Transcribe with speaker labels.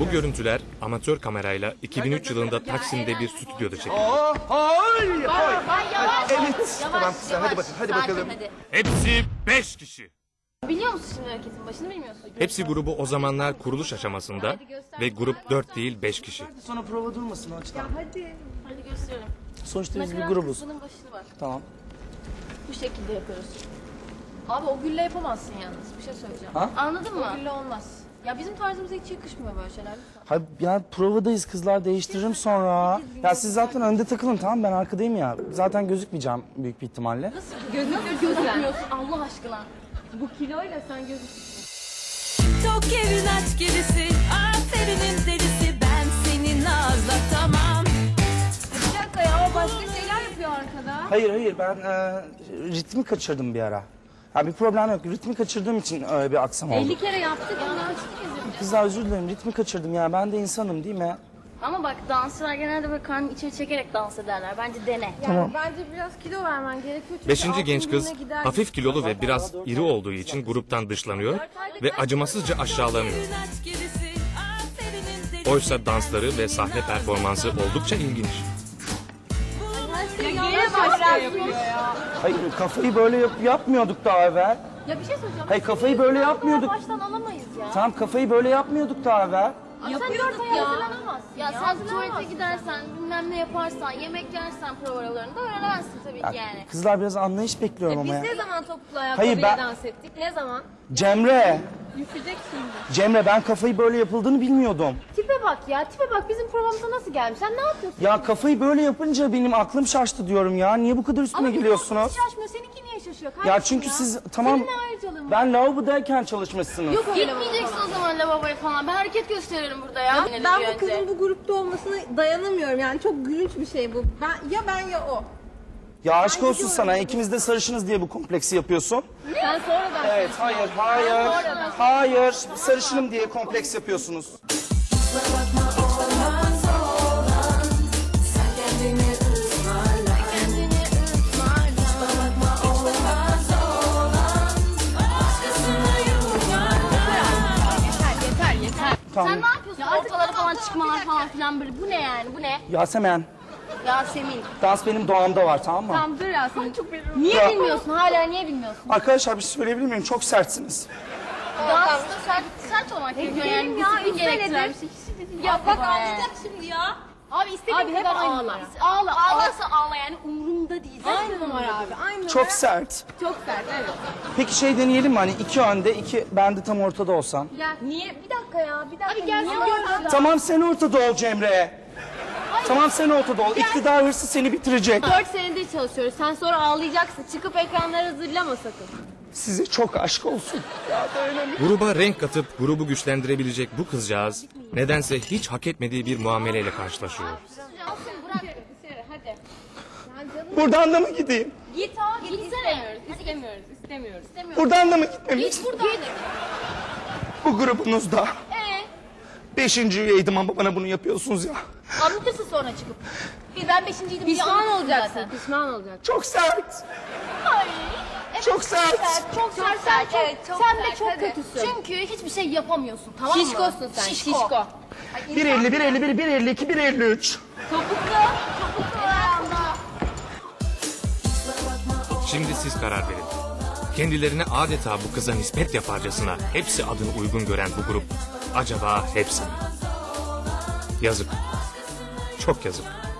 Speaker 1: Bu görüntüler amatör kamerayla 2003 yılında Taksim'de bir stüdyoda çekildi.
Speaker 2: Hayır.
Speaker 3: Yavaş.
Speaker 2: Evet.
Speaker 3: Yavaş,
Speaker 2: Tamam kızlar, hadi
Speaker 3: yavaş.
Speaker 2: bakın, hadi
Speaker 3: Sakin,
Speaker 2: bakalım.
Speaker 3: hadi.
Speaker 1: Hepsi 5 kişi.
Speaker 3: Biliyor musun şimdi hareketin başını bilmiyorsun.
Speaker 1: Hepsi grubu o zamanlar kuruluş aşamasında ve grup 4 değil 5 kişi.
Speaker 2: Sonra prova durmasın o açıdan.
Speaker 3: Hadi gösterelim.
Speaker 2: Sonuçta biz bir
Speaker 3: Nakarat
Speaker 2: grubuz.
Speaker 3: kısmının başını bak.
Speaker 2: Tamam.
Speaker 3: Bu şekilde yapıyoruz. Abi o gülle yapamazsın yalnız. Bir şey söyleyeceğim.
Speaker 2: Ha?
Speaker 3: Anladın mı? O gülle olmaz. Ya bizim tarzımıza hiç yakışmıyor böyle şeyler. Lütfen.
Speaker 2: Hayır ya provadayız kızlar, değiştiririm sonra. Ya siz zaten önde takılın, tamam, ben arkadayım ya. Zaten gözükmeyeceğim büyük bir ihtimalle.
Speaker 3: Nasıl gözükmüyorsun Allah aşkına? Bu kiloyla sen gözüküyorsun.
Speaker 4: Tok evin aç gerisi, aferinin delisi, ben seni nazlatamam.
Speaker 3: Bir dakika ya o başka şeyler yapıyor arkada.
Speaker 2: Hayır ben ritmi kaçırdım bir ara. Ya bir problem yok, ritmi kaçırdığım için öyle bir aksam oldu.
Speaker 3: 50 kere yaptık onu açtık izledim.
Speaker 2: Kızlar özür dilerim, ritmi kaçırdım ya, ben de insanım değil mi?
Speaker 3: Ama bak dansçılar genelde böyle karnını içeri çekerek dans ederler. Bence dene.
Speaker 2: Tamam.
Speaker 5: Bence biraz kilo vermen gerekiyor. Çünkü
Speaker 1: 5.
Speaker 5: altın
Speaker 1: genç kız
Speaker 5: gününe gider.
Speaker 1: hafif kilolu ve biraz iri olduğu için gruptan dışlanıyor ve acımasızca aşağılanıyor.
Speaker 4: Evin aç gerisi, aferinin delisi.
Speaker 1: Oysa dansları ve sahne performansı oldukça ilginç.
Speaker 3: Yine başlıyor ya.
Speaker 2: Hayır kafayı böyle yapmıyorduk daha evvel.
Speaker 3: Ya bir şey söyleyeceğim.
Speaker 2: Hayır kafayı böyle yapmıyorduk.
Speaker 3: Baştan alamayız ya.
Speaker 2: Tamam kafayı böyle yapmıyorduk daha evvel.
Speaker 3: Yapıyorduk ya. Ya sen tuvalete gidersen, bilmem ne yaparsan, yemek yersen provalarında öğrenemezsin tabii ki yani.
Speaker 2: Kızlar biraz anlayış bekliyorum ama ya.
Speaker 5: Biz ne zaman topuklu
Speaker 2: Hayır,
Speaker 5: ayakkabıyla
Speaker 2: ben-
Speaker 5: dans ettik? Ne zaman?
Speaker 2: Cemre,
Speaker 5: Düşecek şimdi.
Speaker 2: Cemre ben kafayı böyle yapıldığını bilmiyordum.
Speaker 3: Tipe bak ya, tipe bak bizim programımıza nasıl gelmiş? Sen ne yapıyorsun?
Speaker 2: Ya kafayı böyle yapınca benim aklım şaştı diyorum ya. Niye bu kadar üstüme geliyorsunuz?
Speaker 3: Şaşmıyor, seninki niye şaşıyor?
Speaker 2: Ya
Speaker 3: Kardeşim
Speaker 2: çünkü siz tamam
Speaker 3: Senin ne ayrıcalığın var?
Speaker 2: ben lavabodayken çalışmışsınız.
Speaker 3: Yok gitmeyeceksin o zaman lavaboya falan. Ben hareket gösteririm burada ya.
Speaker 5: Ben bu kızın bu grupta olmasına dayanamıyorum. Yani çok gülünç bir şey bu. Ben ya o.
Speaker 2: Ya aşk olsun sana, ikimiz de sarışınız diye bu kompleksi yapıyorsun.
Speaker 3: Sen sonradan
Speaker 2: Evet, hayır. Sarışınım diye kompleks yapıyorsunuz.
Speaker 3: yeter.
Speaker 2: Tamam.
Speaker 3: Sen ne yapıyorsun? Ortalara falan çıkmalar falan filan böyle. Bu ne yani? Bu ne?
Speaker 2: Yasemen,
Speaker 3: Yasemin.
Speaker 2: dans benim doğamda var, tamam mı?
Speaker 3: Tamam dur Yasemin. Çok niye
Speaker 2: Ya-
Speaker 3: bilmiyorsun? Hala niye bilmiyorsun?
Speaker 2: Arkadaşlar bir şey söyleyebilir miyim? Çok sertsiniz.
Speaker 3: Dansta sert olmak gerekiyor yani.
Speaker 5: ya,
Speaker 3: Disiplin
Speaker 5: üç
Speaker 3: gerektiren
Speaker 5: senedir.
Speaker 3: bir şey.
Speaker 5: Ya bak
Speaker 3: ağlayacak
Speaker 5: şimdi ya.
Speaker 3: Abi istediğin kadar ağla. Ağla. Ağlarsa ağla yani umurumda değil.
Speaker 5: Aynı numara abi. Aynı
Speaker 2: Çok
Speaker 5: numara.
Speaker 2: sert.
Speaker 5: Çok sert evet.
Speaker 2: Peki şey deneyelim mi, hani iki önde, iki ben de tam ortada olsam?
Speaker 5: Niye? Bir dakika ya. Bir dakika.
Speaker 3: Abi gelsin gör.
Speaker 2: Tamam sen ortada ol Cemre. Tamam sen ortada ol. İktidar hırsı seni bitirecek.
Speaker 3: 4 senedir çalışıyoruz. Sen sonra ağlayacaksın. Çıkıp ekranlara zırlama sakın.
Speaker 2: Size çok aşk olsun.
Speaker 1: Gruba renk katıp grubu güçlendirebilecek bu kızcağız nedense hiç hak etmediği bir muameleyle karşılaşıyor.
Speaker 3: Alsın bırak. Hadi.
Speaker 2: Buradan da mı gideyim?
Speaker 3: Git abi. Gitsene.
Speaker 5: İstemiyoruz.
Speaker 2: Buradan da mı gitmemi
Speaker 3: Git buradan.
Speaker 2: Bu grubunuzda. 5.
Speaker 3: Ee?
Speaker 2: üyeydim ama bana bunu yapıyorsunuz ya.
Speaker 3: Anlatırsın sonra çıkıp. Ben 5.'ydim.
Speaker 5: Pişman olacaksın. Pişman olacaksın.
Speaker 2: Çok sert.
Speaker 3: Ay. Evet,
Speaker 2: Çok sert.
Speaker 3: Çok sert.
Speaker 5: Evet, çok
Speaker 3: sen de
Speaker 5: sert,
Speaker 3: çok
Speaker 5: hadi.
Speaker 3: kötüsün. Çünkü hiçbir şey yapamıyorsun tamam mı?
Speaker 5: Şişkosun sen. Şişko.
Speaker 2: 1.50, 1.51, 1.52, 1.53.
Speaker 1: Şimdi siz karar verin. Kendilerine adeta bu kıza nispet yaparcasına hepsi adını uygun gören bu grup acaba hepsi mi? Yazık. Çok yazık.